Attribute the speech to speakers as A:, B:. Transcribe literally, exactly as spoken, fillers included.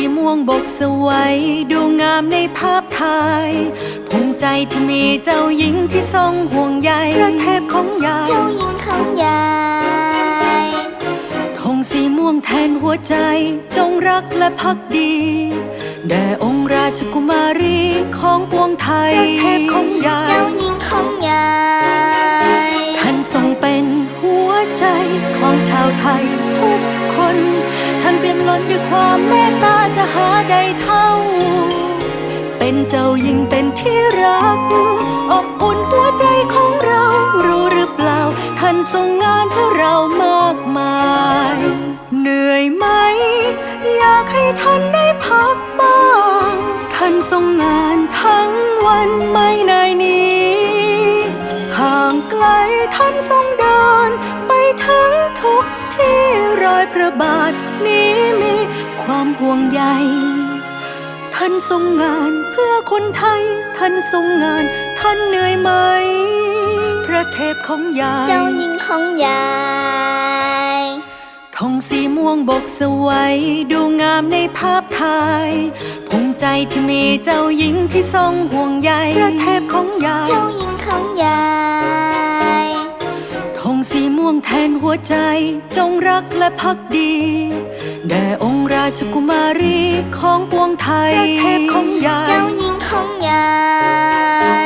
A: ม่วงบกสวยดูงามในภาพถ่ายภูมิใจที่มีเจ้าหญิงที่ทรงห่วงใยพระเทพของยาย
B: เจ้าหญิงของยาย
A: ธงสีม่วงแทนหัวใจจงรักและภักดีแด่องค์ราชกุมารีของปวงไทยพระเทพของยาย
B: เจ้าหญิงของยาย
A: ท่านทรงเป็นหัวใจของชาวไทยทุกคนท่านเปี่ยมล้นด้วยความเมตตาจะหาใดเท่าเป็นเจ้าหญิงเป็นที่รักอบอุ่นหัวใจของเรารู้หรือเปล่าท่านทรงงานเพื่อเรามากมายเหนื่อยไหมอยากให้ท่านได้พักบ้างท่านทรงงานทั้งวันไม่นายหนีห่างไกลท่านทรงเดินไปถึงทุกที่รอยพระบาทนี้มีความห่วงใยท่านทรงงานเพื่อคนไทยท่านทรงงานท่านเหนื่อยไหมพระเทพของยาย
B: เจ้าหญิงของยาย
A: ธงสีม่วงบกสวยดูงามในภาพถ่ายภูมิใจที่มีเจ้าหญิงที่ทรงห่วงใยพระเทพของยาย
B: เจ้าหญิงของยาย
A: ธงสีม่วงแทนหัวใจจงรักและภักดีแด่องค์ราชกุมารีของปวงไทยพระเทพของยาย
B: เจ้าหญิงของยาย